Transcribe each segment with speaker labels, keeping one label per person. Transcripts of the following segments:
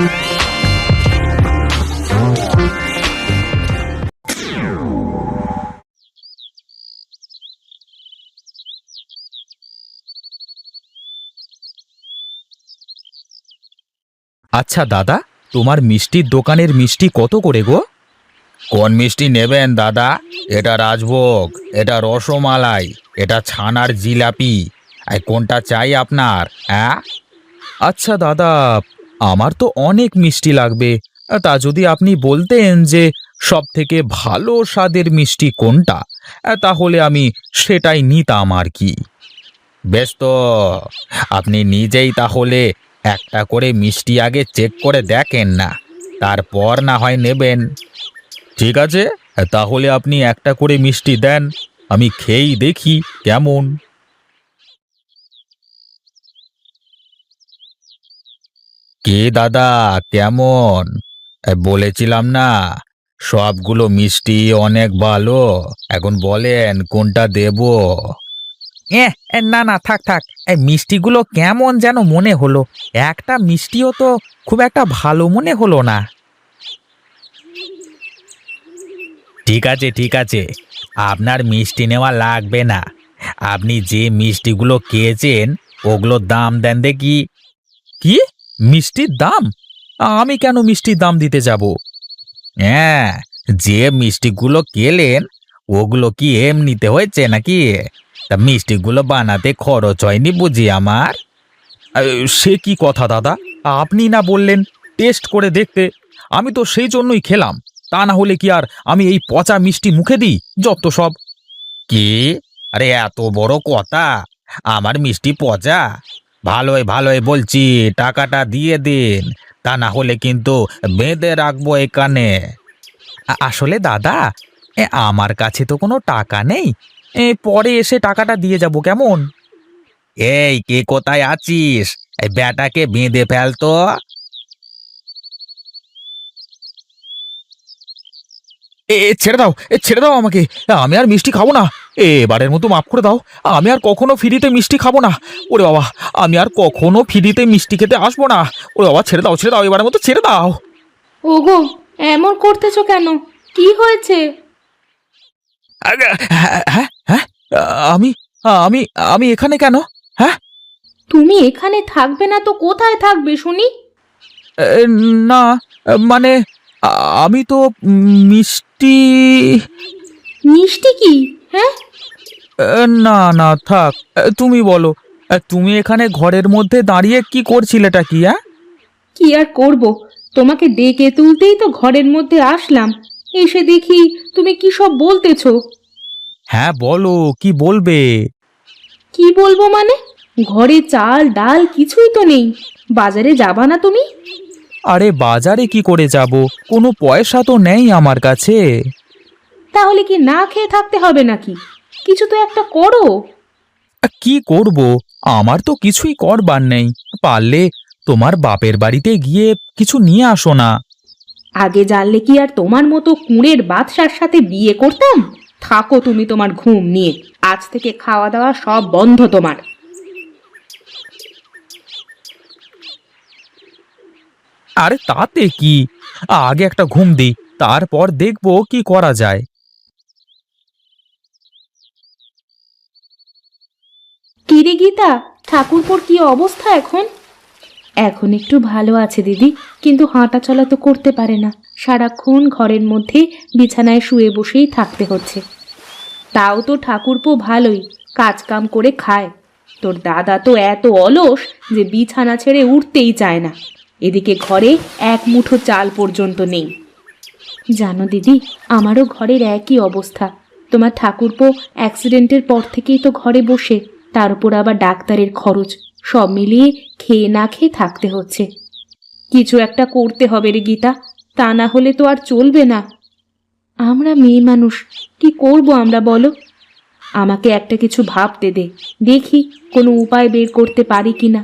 Speaker 1: আচ্ছা দাদা, তোমার মিষ্টির দোকানের মিষ্টি কত করে গো? কোন মিষ্টি নেবেন দাদা? এটা রাজভোগ, এটা রসমালাই, এটা ছানার জিলাপি। কোনটা চাই আপনার? হ্যাঁ, আচ্ছা দাদা, আমার তো অনেক মিষ্টি লাগবে। তা যদি আপনি বলতেন যে সব থেকে ভালো স্বাদের মিষ্টি কোনটা, তাহলে আমি সেটাই নিতাম আর কি। বেশ তো, আপনি নিজেই তাহলে একটা করে মিষ্টি আগে চেক করে দেখেন না, তারপর না হয় নেবেন। ঠিক আছে, তাহলে আপনি একটা করে মিষ্টি দেন, আমি খেয়েই দেখি কেমন। কে দাদা, কেমন? বলেছিলাম না সবগুলো মিষ্টি অনেক ভালো। এখন বলেন কোনটা দেব? না না, থাক থাক। এই মিষ্টিগুলো কেমন যেন মনে হলো। একটা মিষ্টিও তো খুব একটা ভালো মনে হলো না। ঠিক আছে ঠিক আছে, আপনার মিষ্টি নেওয়া লাগবে না। আপনি যে মিষ্টিগুলো খেয়েছেন ওগুলোর দাম দেন দেখি। কি? মিষ্টির দাম? আমি কেন মিষ্টির দাম দিতে যাব? হ্যাঁ, যে মিষ্টিগুলো খেলেন ওগুলো কি এমনিতে হয়েছে নাকি? তা মিষ্টিগুলো বানাতে খরচ হয়নি বুঝি আমার? সে কি কথা দাদা, আপনি না বললেন টেস্ট করে দেখতে? আমি তো সেই জন্যই খেলাম। তা না হলে কি আর আমি এই পচা মিষ্টি মুখে দিই? যত সব। কি? আরে এত বড় কথা! আমার মিষ্টি পচা? ভালোই ভালোই বলছি, টাকাটা দিয়ে দিন, তা না হলে কিন্তু বেঁধে রাখবো এখানে। আসলে দাদা, আমার কাছে তো কোনো টাকা নেই। পরে এসে টাকাটা দিয়ে যাব কেমন? এই কে কোথায় আছিস? এই ব্যাটাকে বেঁধে ফেলতো। ছেড়ে দাও, ছেড়ে দাও আমাকে। আমি আর মিষ্টি খাবো না। এবারের মতো মাফ করে দাও। আমি আর কখনো ফ্রিতে মিষ্টি খাবো না। ওরে বাবা, আমি আর কখনো ফ্রিতে মিষ্টি খেতে আসবো না। ওরে বাবা, ছেড়ে দাও, এবারের মতো ছেড়ে দাও।
Speaker 2: ওগো, এমন করতেছো কেন? কি হয়েছে?
Speaker 1: হ্যাঁ হ্যাঁ হ্যাঁ, আমি আমি আমি এখানে কেন? হ্যাঁ,
Speaker 2: তুমি এখানে থাকবে না তো কোথায় থাকবে শুনি?
Speaker 1: এ, না, মানে আমি তো মিষ্টি।
Speaker 2: মিষ্টি কি? হ্যাঁ?
Speaker 1: না না, থাক। তুমি বলো, তুমি এখানে ঘরের মধ্যে দাঁড়িয়ে কি করছিলেটা কি? হ্যাঁ,
Speaker 2: কি আর করব, তোমাকে ডেকে তুলতেই তো ঘরের মধ্যে আসলাম। এসে দেখি তুমি কি সব বলতেছো।
Speaker 1: হ্যাঁ বলো, কি বলবে?
Speaker 2: কি বলবো মানে? ঘরে চাল ডাল কিছুই তো নেই। বাজারে যাবা না তুমি?
Speaker 1: আরে বাজারে কি করে যাব? কোনো পয়সা তো নেই আমার কাছে।
Speaker 2: তাহলে কি না খেয়ে থাকতে হবে নাকি? কিছু তো একটা করো।
Speaker 1: কি করব? আমার তো কিছুই করবার নেই। পারলে তোমার বাপের বাড়িতে গিয়ে কিছু নিয়ে আসো না।
Speaker 2: আগে জানলে কি আর তোমার মতো কুঁড়ের বাদশার সাথে বিয়ে করতাম? থাকো তুমি তোমার ঘুম নিয়ে। আজ থেকে খাওয়া দাওয়া সব বন্ধ তোমার।
Speaker 1: আরে তাতে কি, আগে একটা ঘুম দিই, তারপর দেখবো কি করা যায়।
Speaker 2: কিরে গীতা, ঠাকুরপোর কি অবস্থা এখন? এখন একটু ভালো আছে দিদি, কিন্তু হাঁটা চলা তো করতে পারে না। সারাক্ষণ ঘরের মধ্যে বিছানায় শুয়ে বসেই থাকতে হচ্ছে। তাও তো ঠাকুরপো ভালোই, কাজ কাম করে খায়। তোর দাদা তো এত অলস যে বিছানা ছেড়ে উঠতেই চায় না। এদিকে ঘরে এক মুঠো চাল পর্যন্ত নেই। জানো দিদি, আমারও ঘরের একই অবস্থা। তোমার ঠাকুরপো অ্যাক্সিডেন্টের পর থেকেই তো ঘরে বসে, তার উপর আবার ডাক্তারের খরচ, সব মিলিয়ে খেয়ে না খেয়ে থাকতে হচ্ছে। কিছু একটা করতে হবে রে গীতা, তা না হলে তো আর চলবে না। আমরা মেয়ে মানুষ, কি করব আমরা বলো? আমাকে একটা কিছু ভাবতে দে, দেখি কোনো উপায় বের করতে পারি কিনা।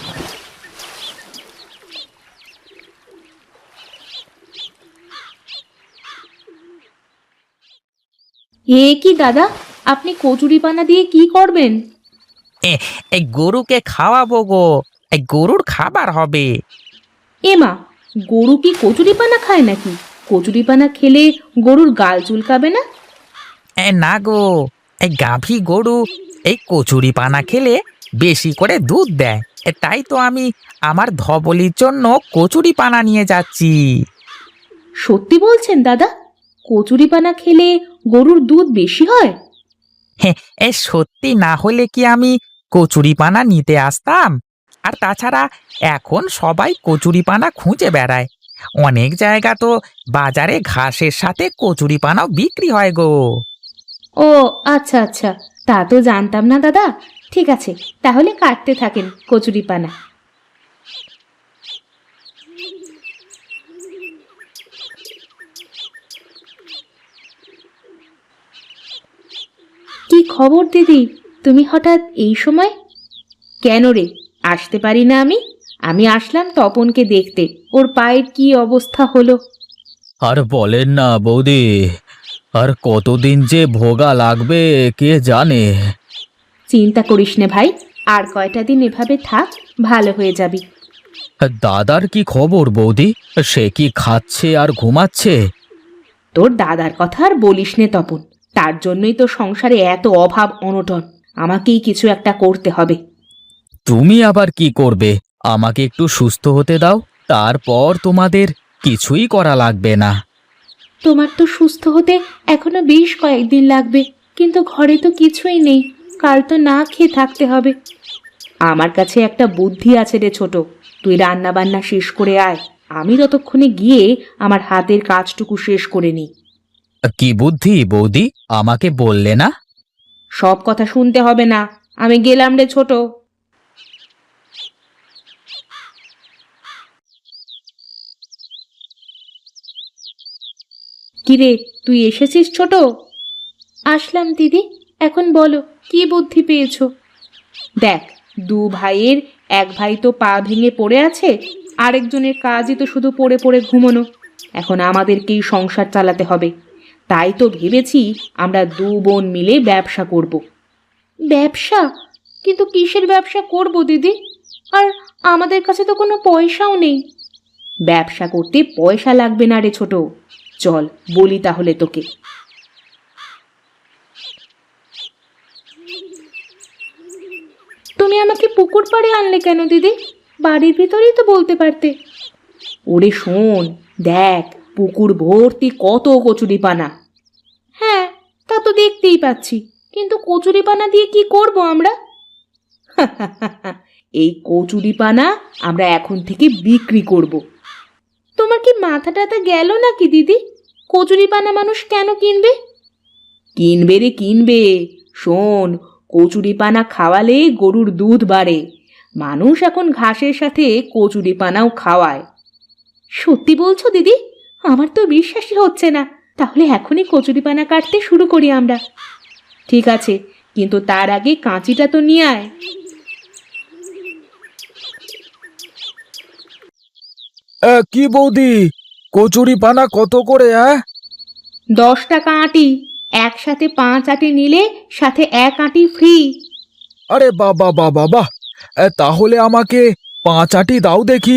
Speaker 2: এ কি দাদা, আপনি কচুরিপানা দিয়ে কি করবেন?
Speaker 1: এই গরুকে খাওয়াবো গো, এই গরুর খাবার হবে।
Speaker 2: এমা, গরু কি কচুরিপানা খায় নাকি? কচুরিপানা খেলে গরুর গাল চুলকাবে না?
Speaker 1: না গো, এই গাভী গরু এই কচুরি পানা খেলে বেশি করে দুধ দেয়। তাই তো আমি আমার ধবলির জন্য কচুরি পানা নিয়ে যাচ্ছি।
Speaker 2: সত্যি বলছেন দাদা? কচুরিপানা খেলে গরুর দুধ বেশি হয়?
Speaker 1: হ্যাঁ, সত্যি না হলে কি আমি কচুরি পানা নিতে আসতাম? আর তাছাড়া এখন সবাই কচুরি পানা খুঁজে বেড়ায়। অনেক জায়গা তো বাজারে ঘাসের সাথে কচুরি পানাও বিক্রি হয় গো।
Speaker 2: ও আচ্ছা আচ্ছা, তা তো জানতাম না দাদা। ঠিক আছে, তাহলে কাটতে থাকেন কচুরিপানা। কি খবর দিদি, তুমি হঠাৎ এই সময়? কেন রে, আসতে পারি না আমি? আমি আসলাম তপনকে দেখতে, ওর পায়ের কি অবস্থা হলো।
Speaker 1: আর বলেন না বৌদি, আর কতদিন যে ভোগা লাগবে কে জানে।
Speaker 2: চিন্তা করিস নে ভাই, আর কয়টা দিন এভাবে থাক, ভালো হয়ে যাবি।
Speaker 1: দাদার কি খবর বৌদি? সে কি খাচ্ছে আর ঘুমাচ্ছে?
Speaker 2: তোর দাদার কথা আর বলিস নে তপন, তার জন্যই তো সংসারে এত অভাব অনটন। আমাকেই কিছু একটা করতে হবে।
Speaker 1: তুমি আবার কি করবে? আমাকে একটু সুস্থ হতে দাও, তারপর তোমাদের কিছুই করা লাগবে না।
Speaker 2: তোমার তো সুস্থ হতে এখনো বেশ কয়েকদিন লাগবে, কিন্তু ঘরে তো কিছুই নেই। কাল তো না খেয়ে থাকতে হবে। আমার কাছে একটা বুদ্ধি আছে রে ছোট, তুই রান্না বান্না শেষ করে আয়, আমি ততক্ষণে গিয়ে আমার হাতের কাজটুকু শেষ করে নিই।
Speaker 1: কি বুদ্ধি বৌদি, আমাকে বললে না?
Speaker 2: সব কথা শুনতে হবে না, আমি গেলাম রে ছোট। কিরে, তুই এসেছিস ছোট? আসলাম দিদি, এখন বলো কি বুদ্ধি পেয়েছো? দেখ, দু ভাইয়ের এক ভাই তো পা ভেঙে পড়ে আছে, আরেকজনের কাজই তো শুধু পড়ে পড়ে ঘুমোনো। এখন আমাদেরকেই সংসার চালাতে হবে। তাই তো ভেবেছি আমরা দু বোন মিলে ব্যবসা করব। ব্যবসা? কিন্তু কিসের ব্যবসা করব দিদি? আর আমাদের কাছে তো কোনো পয়সাও নেই। ব্যবসা করতে পয়সা লাগবে না রে ছোট, চল বলি তাহলে তোকে। তুমি আমাকে পুকুর পাড়ে আনলে কেন দিদি? বাড়ির ভিতরেই তো বলতে পারতে। ওরে শোন, দেখ পুকুর ভর্তি কত কচুরিপানা। হ্যাঁ, তা তো দেখতেই পাচ্ছি, কিন্তু কচুরিপানা দিয়ে কি করব আমরা? এই কচুরিপানা আমরা এখন থেকে বিক্রি করব। তোমার কি মাথা টাথা গেল নাকি দিদি? কচুরিপানা মানুষ কেন কিনবে? কিনবে রে কিনবে। শোন, কচুরিপানা খাওয়ালে গরুর দুধ বাড়ে। মানুষ এখন ঘাসের সাথে কচুরিপানাও খাওয়ায়। সত্যি বলছো দিদি? আমার তো বিশ্বাসই হচ্ছে না। তাহলে এখনই কচুরিপানা কাটতে শুরু করি আমরা। ঠিক আছে, কিন্তু তার আগে কাঁচিটা তো নিয়ে আয়।
Speaker 1: কি বৌদি, কচুরি পানা কত করে?
Speaker 2: 10 টাকা আঁটি, একসাথে 5 আঁটি নিলে সাথে 1 আঁটি ফ্রি।
Speaker 1: আরে বাবা বাবা বাহ, তাহলে আমাকে 5 আটি দাও দেখি।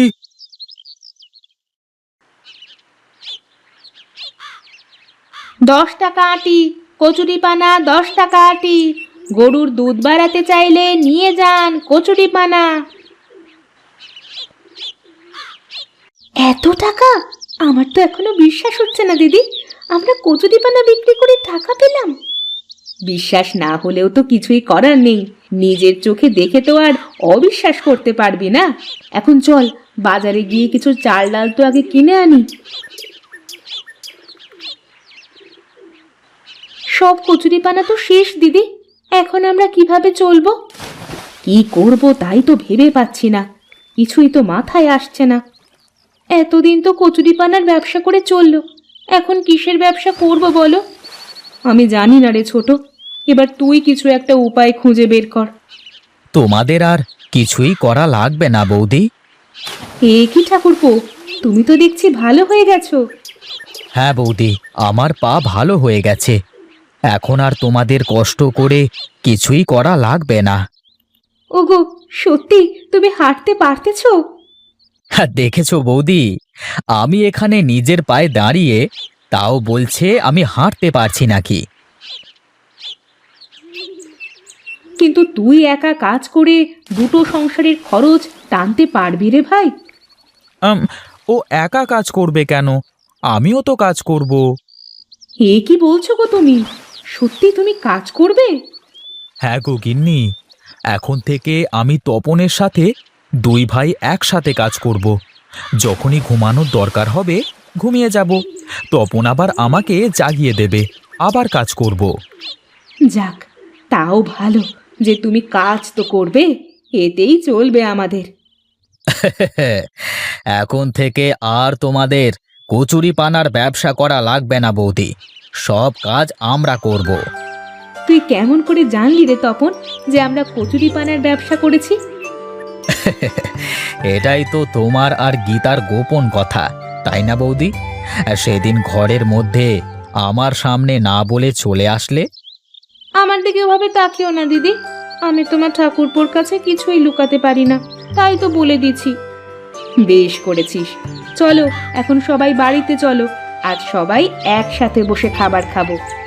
Speaker 2: 10 টাকা আঁটি, কচুরিপানা 10 টাকা আঁটি। গরুর দুধ বাড়াতে চাইলে নিয়ে যান কচুরিপানা। এত টাকা? আমার তো এখনো বিশ্বাস হচ্ছে না দিদি, আমরা কচুরিপানা বিক্রি করে টাকা পেলাম। বিশ্বাস না হলেও তো কিছুই করার নেই, নিজের চোখে দেখে তো আর অবিশ্বাস করতে পারবি না। এখন চল বাজারে গিয়ে কিছু চাল ডাল তো আগে কিনে আনি। সব কচুরিপানা তো শেষ দিদি, এখন আমরা কিভাবে চলবো? কি করব তাই তো ভেবে পাচ্ছি না, কিছুই তো মাথায় আসছে না। এতদিন তো কচুরিপানার ব্যবসা করে চললো, এখন কিসের ব্যবসা করব বলো? আমি জানি না রে ছোট, এবার তুই কিছু একটা উপায় খুঁজে বের কর।
Speaker 1: তোমাদের আর কিছুই করা লাগবে না বৌদি।
Speaker 2: এ কি ঠাকুরপো, তুমি তো দেখছি ভালো হয়ে গেছো।
Speaker 1: হ্যাঁ বৌদি, আমার পা ভালো হয়ে গেছে, এখন আর তোমাদের কষ্ট করে কিছুই করা লাগবে না।
Speaker 2: ওগো, সত্যি তুমি হাঁটতে পারতেছো?
Speaker 1: হ্যাঁ দেখেছো বৌদি, আমি এখানে নিজের পায়ে দাঁড়িয়ে, তাও বলছে আমি হাঁটতে পারছি নাকি।
Speaker 2: কিন্তু তুই একা কাজ করে দুটো সংসারের খরচ টানতে পারবি রে ভাই?
Speaker 1: ও একা কাজ করবে কেন? আমিও তো কাজ করব।
Speaker 2: এ কি বলছো গো তুমি? সত্যি তুমি কাজ করবে?
Speaker 1: হ্যাঁ গো গিন্নি, এখন থেকে আমি তপনের সাথে দুই ভাই একসাথে কাজ করব। যখনই ঘুমানোর দরকার হবে ঘুমিয়ে যাব, তপন আবার আমাকে জাগিয়ে দেবে, আবার কাজ করব।
Speaker 2: যাক, তাও ভালো যে তুমি কাজ তো করবে, এতেই চলবে আমাদের।
Speaker 1: এখন থেকে আর তোমাদের কচুরি পানার ব্যবসা করা লাগবে না বৌদি, সব কাজ আমরা করব।
Speaker 2: তুই কেমন করে জানলি রে তপন যে আমরা কচুরি পানার ব্যবসা করেছি?
Speaker 1: এটাই তো তোমার আর গীতার গোপন কথা, তাই না বৌদি? সেদিন ঘরের মধ্যে আমার সামনে না বলে চলে আসলে।
Speaker 2: আমার দিকে ওভাবে তাকিও না দিদি, আমি তোমার ঠাকুরপোর কাছে কিছুই লুকাতে পারি না, তাই তো বলে দিছি। বেশ করেছিস, চলো এখন সবাই বাড়িতে চলো, আজ সবাই একসাথে বসে খাবার খাবো।